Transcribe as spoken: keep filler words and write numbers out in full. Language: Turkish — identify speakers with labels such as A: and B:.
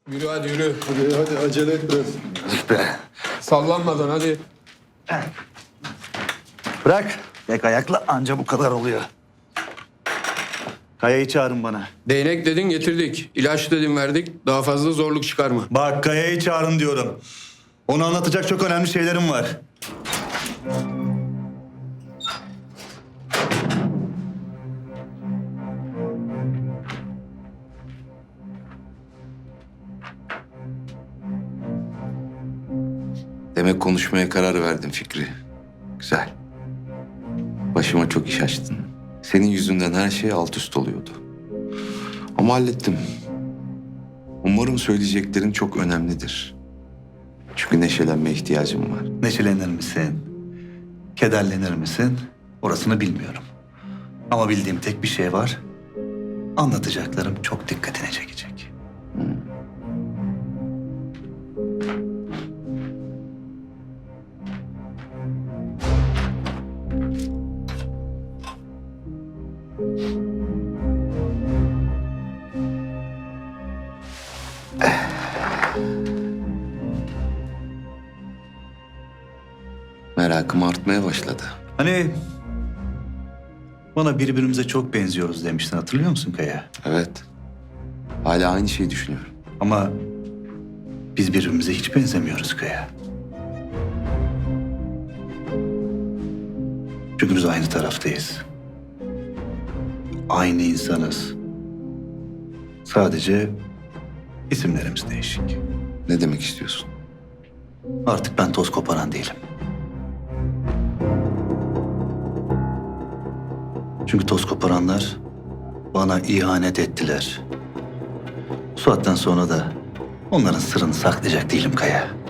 A: Yürü hadi yürü.
B: Hadi hadi acele et biraz.
C: Be.
A: Sallanmadan hadi.
C: Bırak. Tek ayakla anca bu kadar oluyor. Kaya'yı çağırın bana.
A: Değnek dedin getirdik. İlaç dedin verdik. Daha fazla zorluk çıkarma.
C: Bak Kaya'yı çağırın diyorum. Onu anlatacak çok önemli şeylerim var.
D: Demek konuşmaya karar verdin Fikri. Güzel. Başıma çok iş açtın. Senin yüzünden her şey alt üst oluyordu. Ama hallettim. Umarım söyleyeceklerin çok önemlidir. Çünkü neşelenmeye ihtiyacım var.
C: Neşelenir misin? Kederlenir misin? Orasını bilmiyorum. Ama bildiğim tek bir şey var. Anlatacaklarım çok dikkatini çekecek.
D: Merakım artmaya başladı.
C: Hani bana birbirimize çok benziyoruz demiştin, hatırlıyor musun Kaya?
D: Evet. Hala aynı şeyi düşünüyorum.
C: Ama biz birbirimize hiç benzemiyoruz Kaya. Çünkü biz aynı taraftayız. Aynı insanız. Sadece isimlerimiz değişik.
D: Ne demek istiyorsun?
C: Artık ben toz koparan değilim. Çünkü toz koparanlar bana ihanet ettiler. Bu saatten sonra da onların sırrını saklayacak değilim Kaya.